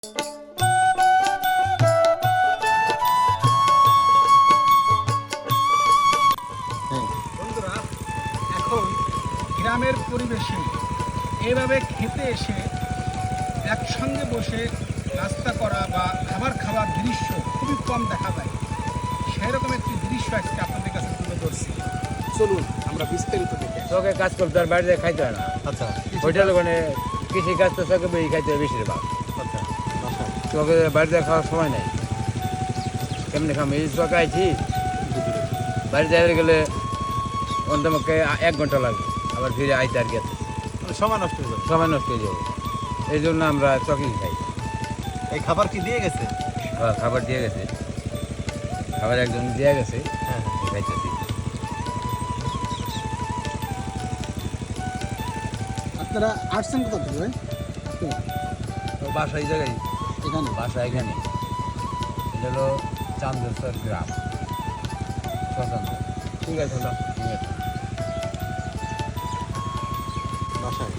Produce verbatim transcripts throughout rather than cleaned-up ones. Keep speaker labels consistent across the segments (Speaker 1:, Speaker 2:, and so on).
Speaker 1: বন্ধুরা, এখন গ্রামের পরিবেশে এভাবে খেতে এসে একসঙ্গে বসে নাস্তা করা বা খাবার খাওয়ার দৃশ্য খুবই কম দেখা যায়। সেরকম একটি দৃশ্য আজকে আপনাদের কাছে তুলে ধরছি। চলুন আমরা বিস্তারিত দেখে আসি।
Speaker 2: চোখে কাজ করতে আর বাড়িতে খাইতে হয় না।
Speaker 1: আচ্ছা,
Speaker 2: হোটেল ওখানে কৃষি কাজ তো চোখে বেশি খাইতে হয় বেশিরভাগ।
Speaker 1: আচ্ছা, বাসায়
Speaker 2: চোখে বাড়িতে খাওয়ার সময় নেই। কেমনি খাম এই চোখে আইছি বাড়িতে আইতে গেলে অন্তমকে এক ঘন্টা লাগবে, আবার ফিরে আইতে আর গেছে
Speaker 1: মানে সময় নষ্ট হয়ে যাবে।
Speaker 2: সময় নষ্ট হয়ে যাবে। এই জন্য আমরা চকেই খাই।
Speaker 1: এই খাবার কি দিয়ে গেছে?
Speaker 2: খাবার- খাবার দিয়ে গেছে, খাবার একজন দিয়ে গেছে,
Speaker 1: হ্যাঁ,
Speaker 2: খাইতেছি।
Speaker 3: আপনারা আসছেন কোথা থেকে ভাই?
Speaker 2: তো বাসা এই জায়গায়,
Speaker 3: এখানে
Speaker 2: বাসা এখানে। এটা হলো চান্দেশ্বর গ্রাম, শ্মশান। ঠিক আছে, হলো ঠিক আছে।
Speaker 1: বাসায়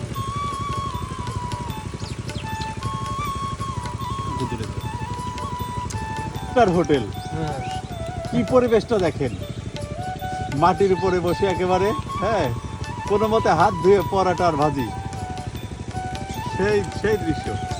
Speaker 4: আপনার হোটেল কি পরিবেশটা দেখেন, মাটির উপরে বসে একেবারে, হ্যাঁ, কোনো মতে হাত ধুয়ে পরাটা আর ভাজি, সেই সেই দৃশ্য।